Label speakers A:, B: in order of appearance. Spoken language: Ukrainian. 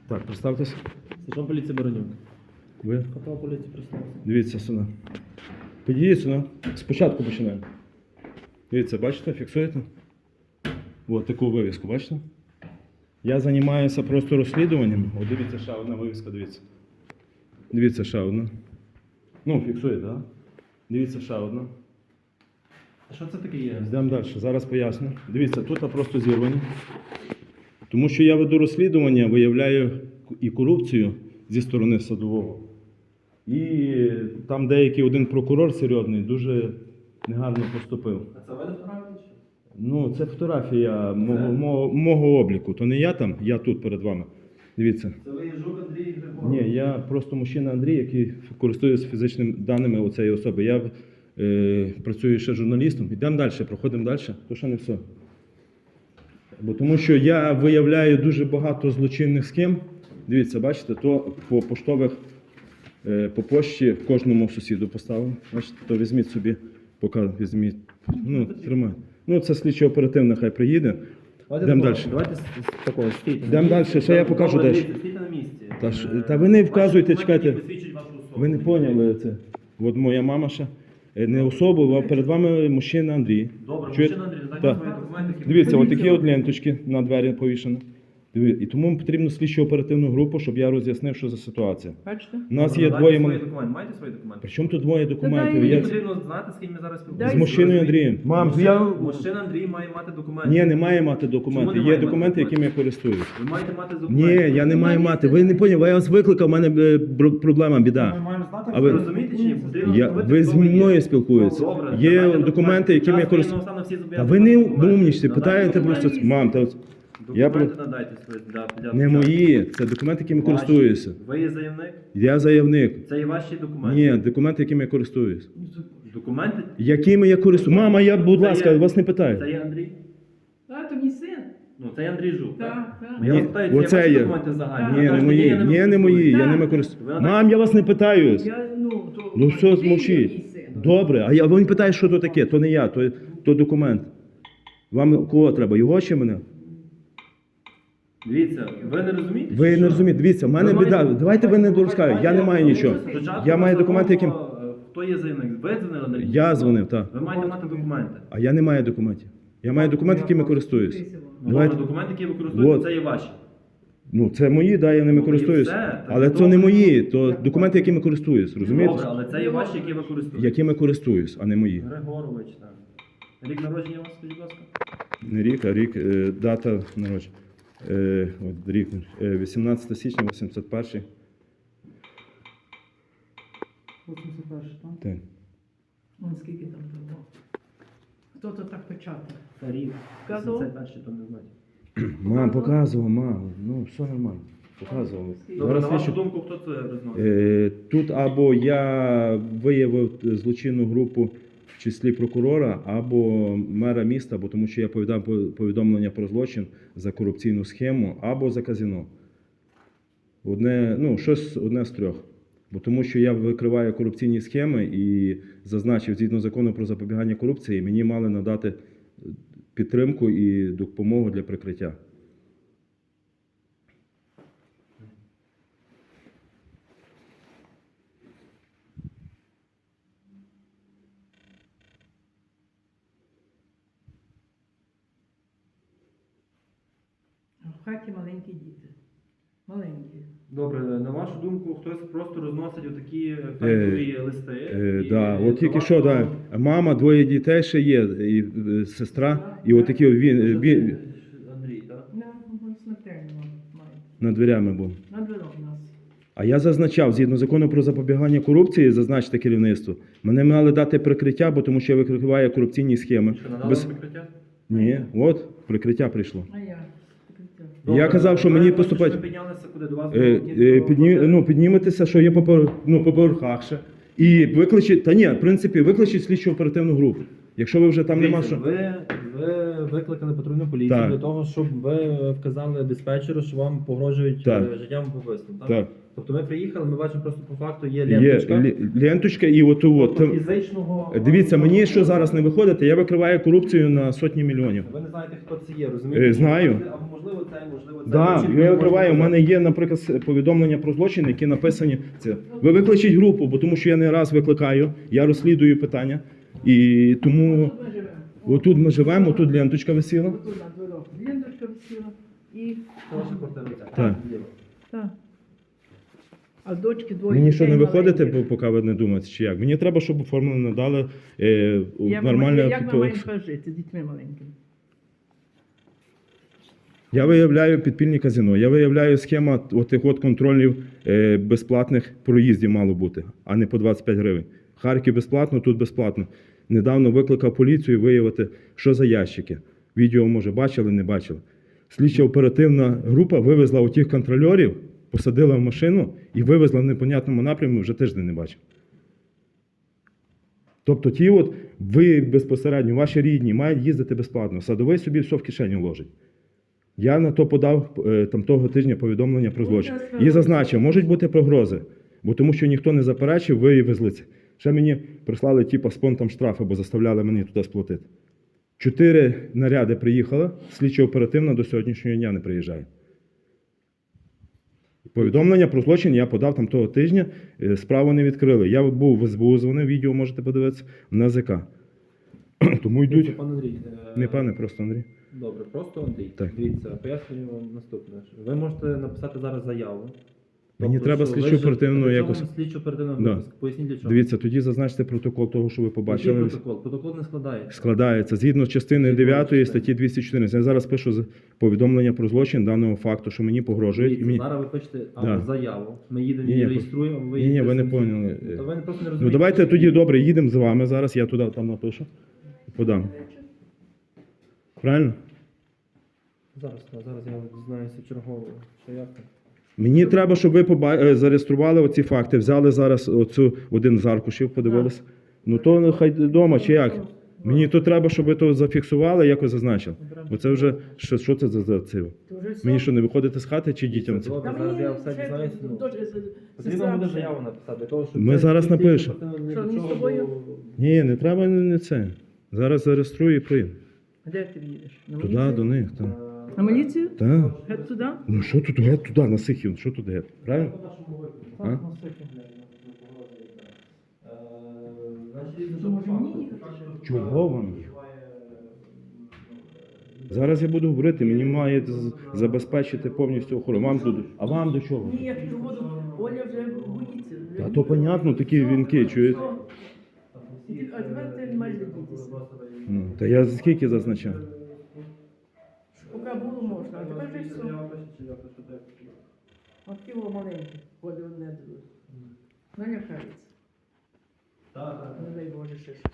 A: Так, представтесь.
B: Сержант поліції Баранюк.
A: Ви?
B: Капрал поліції представився.
A: Дивіться сюди. Підійдіть сюди. Спочатку починаємо. Дивіться, бачите, фіксуєте? Ось таку вивіску, бачите? Я займаюся просто розслідуванням. О, дивіться, ще одна вивіска, дивіться. Дивіться, ще одна. Ну, фіксуєте, так? Да? Дивіться, ще одна.
B: А що це таке є?
A: Йдемо далі, зараз поясню. Дивіться, тут просто зірвані. Тому що я веду розслідування, виявляю і корупцію зі сторони садового. І там деякий один прокурор серйозний дуже негарно поступив.
B: А це ви не вправді чи?
A: Ну, це фотографія мого обліку. То не я там, я тут перед вами. Дивіться.
B: Це ви є Жук Андрій Григорович?
A: Ні, я просто мужчина Андрій, який користується фізичними даними оцеї особи. Я працюю ще журналістом. Йдемо далі, проходимо далі. То ще не все. Бо тому що я виявляю дуже багато злочинних схем. Дивіться, бачите, то по поштових, по пошті кожному сусіду поставив. Бачите, то візьміть собі, поки візьміть. Ну, тримай. Ну, це слідчо-оперативна, хай приїде. Йдемо далі.
B: Давайте з такого, стійте.
A: Йдемо далі, ще я покажу далі.
B: Стійте на місці.
A: Та ви не вказуйте,
B: Ваші
A: чекайте.
B: документи посвідчують вашу особу.
A: Ви не поняли це. От моя мама ще. Не особу, а перед вами мужчина Андрій.
B: Добре,
A: Чуєте?
B: мужчина Андрій,
A: Так.
B: дайте свої документи. які
A: Дивіться,
B: ви-
A: от такі от ленточки на двері повішені. І тому потрібно слідчо-оперативну групу, щоб я роз'яснив, що за ситуація.
C: Бачите?
A: У нас
B: Добре,
A: є
B: дайте
A: двоє
B: свої
A: мене.
B: документи. Маєте свої документи?
A: Причому тут двоє документів?
C: дай
B: Мені
A: Я...
B: потрібно знати, з ким ми зараз
C: Дай-
B: спілкуємося.
A: З мужчиною
B: Розумієте?
A: Андрієм. Мам, я...
B: Мужчина Андрій має мати документи.
A: Ні, не має мати документи.
B: Чому не
A: Є
B: має
A: документи,
B: мати
A: якими я користуюсь.
B: Ви маєте мати
A: Ні,
B: документи.
A: я не маю мати. Ви не поняли, я вас викликав, у мене проблема, біда. А
B: Ви
A: ви...
B: розумієте чи ні? Потрібно
A: Ви
B: встановити,
A: зі
B: хто ви є.
A: мною спілкуєтеся.
B: Добре,
A: Є
B: давайте
A: документи, якими я
B: Час
A: користуюсь.
B: воєнного стану всі
A: Та
B: зобов'язані
A: ви не
B: документи.
A: умнічте,
B: Надайте
A: питаєте
B: документи.
A: просто. Мам, та... Я про-
B: Документи надайте свої для
A: Не
B: початку.
A: мої, це документи, якими
B: Ваші.
A: користуюся.
B: Ви є заявник?
A: Я заявник.
B: Це і ваші документи?
A: Ні, документи, якими я користуюсь.
B: Документи?
A: Якими я користуюсь? Мама, я, будь
B: Це
A: ласка,
B: є-
A: вас не
B: Це
A: питаю.
B: є Андрій?
C: А, то мій син.
B: Ну, це є Андрій Жук, так?
C: Так, так.
B: Я вас
A: Ні,
B: питаю, це
A: оце
B: ваші
A: є.
B: документи загальні?
A: Ні,
B: Ви
A: не
B: кажете,
A: мої.
B: я ними
A: Ні, не мої, я
C: Так.
A: ними
B: Ви
A: користуюсь.
B: надаєте-
A: Мам, я вас не питаюсь.
C: Я, то,
A: Ну все,
C: ти є мій
A: мовчіть.
C: син.
A: Добре, а він питає, що то таке. То не я, то документ. Вам кого треба? Його чи мене?
B: Дивіться, ви не розумієте?
A: Ви
B: чи
A: не
B: що?
A: розумієте. Дивіться, в мене
B: Ви
A: біда.
B: маєте-
A: Давайте ви не дорозкаєте. Я не маю нічого.
B: Спочатку
A: Я маю документи, яким...
B: Хто є заявник? Ви дзвонили на лінію?
A: Я дзвонив, так.
B: Ви маєте мати документи.
A: А я не маю документів. Я маю документи, якими користуюсь.
B: Ну,
A: Давайте.
B: добре, документи, які ви використовуєте,
A: Вот.
B: це є ваші.
A: Ну, це мої, да, я ними
B: Ну, і
A: користуюсь.
B: все. Так
A: Але це
B: добре.
A: не мої, то документи, якими користуюсь, розумієте?
B: Добре, але це є ваші, які ви користуєтесь.
A: Якими користуюсь, а не мої.
B: Григорович, так. Рік народження у вас, скажіть, будь ласка?
A: Не рік, а рік, дата народження. От рік, 18 січня, 81-й.
C: 81, так?
A: Так.
C: Вон скільки там було. Хто то так печатав?
B: Та рік.
C: Вказував?
B: 81, то не знаю.
A: Мам, показував, мам. Ну, все нормально. Показував.
B: Добре, на
A: Зараз
B: вашу
A: слідчу-
B: думку, хто це розносить?
A: Тут або я виявив злочинну групу в числі прокурора, або мера міста, бо тому що я повідомив повідомлення про злочин за корупційну схему, або за казино. Одне, ну, щось одне з трьох. Бо тому що я викриваю корупційні схеми і зазначив, згідно закону про запобігання корупції, мені мали надати підтримку і допомогу для прикриття.
C: А в хаті маленькі діти. Маленькі.
B: Добре, на вашу думку, хтось просто розносить отакі фейкові листи? і
A: Да, от тільки
B: до
A: що,
B: вашого-
A: да, мама, двоє дітей ще є, і сестра, і отакі він
B: Андрій, так?
C: На смертельно має.
A: над дверями був.
C: На дворог у нас.
A: А я зазначав, згідно закону про запобігання корупції, зазначте керівництво, мене мали дати прикриття, бо тому що я викриваю корупційні схеми.
B: Що, надали
A: Без...
B: прикриття?
A: Ні, от, прикриття прийшло.
C: А я.
A: Я казав, що
B: ви
A: мені
B: хочете,
A: поступать-
B: щоб ми піднялися куди до вас?
A: Підніметеся, що є по поверхах ще. І викличіть, та ні, в принципі, викличіть слідчо оперативну групу. Якщо ви вже там нема
B: Дивіться,
A: що.
B: ви викликали патрульну поліцію
A: Так.
B: для того, щоб ви вказали диспетчеру, що вам погрожують
A: Так.
B: життям або вбивством. Так?
A: Так.
B: Тобто ми приїхали, ми бачимо просто по факту є
A: Є
B: ленточка.
A: ленточка і от.
B: Тобто фізичного...
A: Дивіться, мені що зараз не виходить, я викриваю корупцію на сотні мільйонів.
B: Ви не знаєте, хто це є, розумієте?
A: Знаю.
B: Або можливо це, можливо це.
A: Так,
B: Чітко не
A: я
B: можу
A: викриваю. У
B: сказати.
A: мене є, наприклад, повідомлення про злочин, які написані. Це ви викличіть групу, бо тому що я не раз викликаю, я розслідую питання. І тому
C: Тут ми живемо.
A: отут ми живемо, тут ленточка висіла.
C: Отут на дворі. Ленточка висіла. І...
B: Це ваша квартира.
A: Так.
C: Так. А дочки двоє
A: Мені що не
C: дітей
A: виходите,
C: маленьких.
A: поки ви не думаєте, чи як? Мені треба, щоб оформлено надали
C: Як
A: нормальне.
C: ми маємо жити з дітьми маленькими?
A: Я виявляю підпільні казино, я виявляю схема отих от контролів безплатних проїздів мало бути, а не по 25 гривень. Харків безплатно, тут безплатно. Недавно викликав поліцію виявити, що за ящики. Відео, може, бачили, не бачили. Слідча оперативна група вивезла отих контрольорів, посадила в машину і вивезла в непонятному напрямку, вже тиждень не бачив. Тобто ті от, ви безпосередньо, ваші рідні, мають їздити безплатно. Садовий собі все в кишеню ложить. Я на то подав там того тижня повідомлення про злочин. І зазначив, можуть бути погрози, бо тому що ніхто не заперечив, виявили це. Ще мені прислали типу спонтом штрафи, бо заставляли мені туди сплатити. 4 наряди приїхали, слідчо оперативно до сьогоднішнього дня не приїжджає. Повідомлення про злочин я подав там того тижня, справу не відкрили. Я був в СБУ, дзвонив, відео можете подивитися, в НАЗК. Тому йдуть.
B: Пан Андрій,
A: Не пане, просто Андрій.
B: Добре, просто Андрій.
A: Так.
B: Дивіться, пояснюю вам наступне. Ви можете написати зараз заяву.
A: Мені треба слідчу оперативну якось.
B: Слідчу оперативну
A: Да.
B: випуск. Поясніть для чого.
A: Дивіться, тоді зазначте протокол того, що ви
B: Який
A: побачили.
B: протокол? Протокол не складається.
A: Складається згідно з частини
B: Згідно
A: 9
B: частини.
A: статті 214. Я зараз пишу повідомлення про злочин даного факту, що мені погрожують. І
B: Дивіться,
A: мені...
B: зараз ви пишете
A: Да.
B: заяву. Ми їдемо
A: Ні,
B: її
A: ні,
B: реєструємо.
A: ні, ви
B: їдете
A: не
B: самі.
A: поняли.
B: Та ви просто не розумієте.
A: Ну давайте тоді добре, їдемо з вами зараз, я туди там напишу. Подам. Правильно?
B: Зараз я дізнаюся чергово, що як там.
A: Мені треба, щоб ви зареєстрували оці факти, взяли зараз оцю один з аркушів, подивилися. Ну то нехай вдома, чи як? Мені то треба, щоб ви то зафіксували, якось зазначили. Бо це вже, що це за циво? Мені що, не виходити з хати чи дітям це?
B: Добре,
C: Та
B: зараз я
C: мені
B: все
C: ще
B: дізнаюся. ну.
C: дуже
B: Потрібно буде заяву написати, для того, щоб
A: Ми
B: це
A: зараз
B: слідчо
A: напишемо.
B: оперативно ні
C: Що,
B: до
C: ні з
B: чого
C: тобою?
B: було.
A: Ні, не треба не це. Зараз зареєструю і прийму.
C: Де ти їдеш? На
A: Туди,
C: міліцію?
A: до них. Так.
C: На міліцію?
A: Так.
C: Геть туди?
A: Ну що тут геть туди, на Сихів, що тут геть? Правильно? А?
C: Що, може мені їхати ще?
A: Чого вам їх? Зараз я буду говорити, мені має забезпечити повністю охорону. Вам туди. А вам до чого?
C: Ні, як ти воду, Оля вже боїться.
A: Та то понятно, такі вінки, чуєте?
C: А тепер ти не маєш дититися.
A: Ну, та я скільки зазначав?
C: Поки було можна, а тепер вже все. От тіло маленьке, ходить одне друге. Налякається. Не дай Боже ще щось.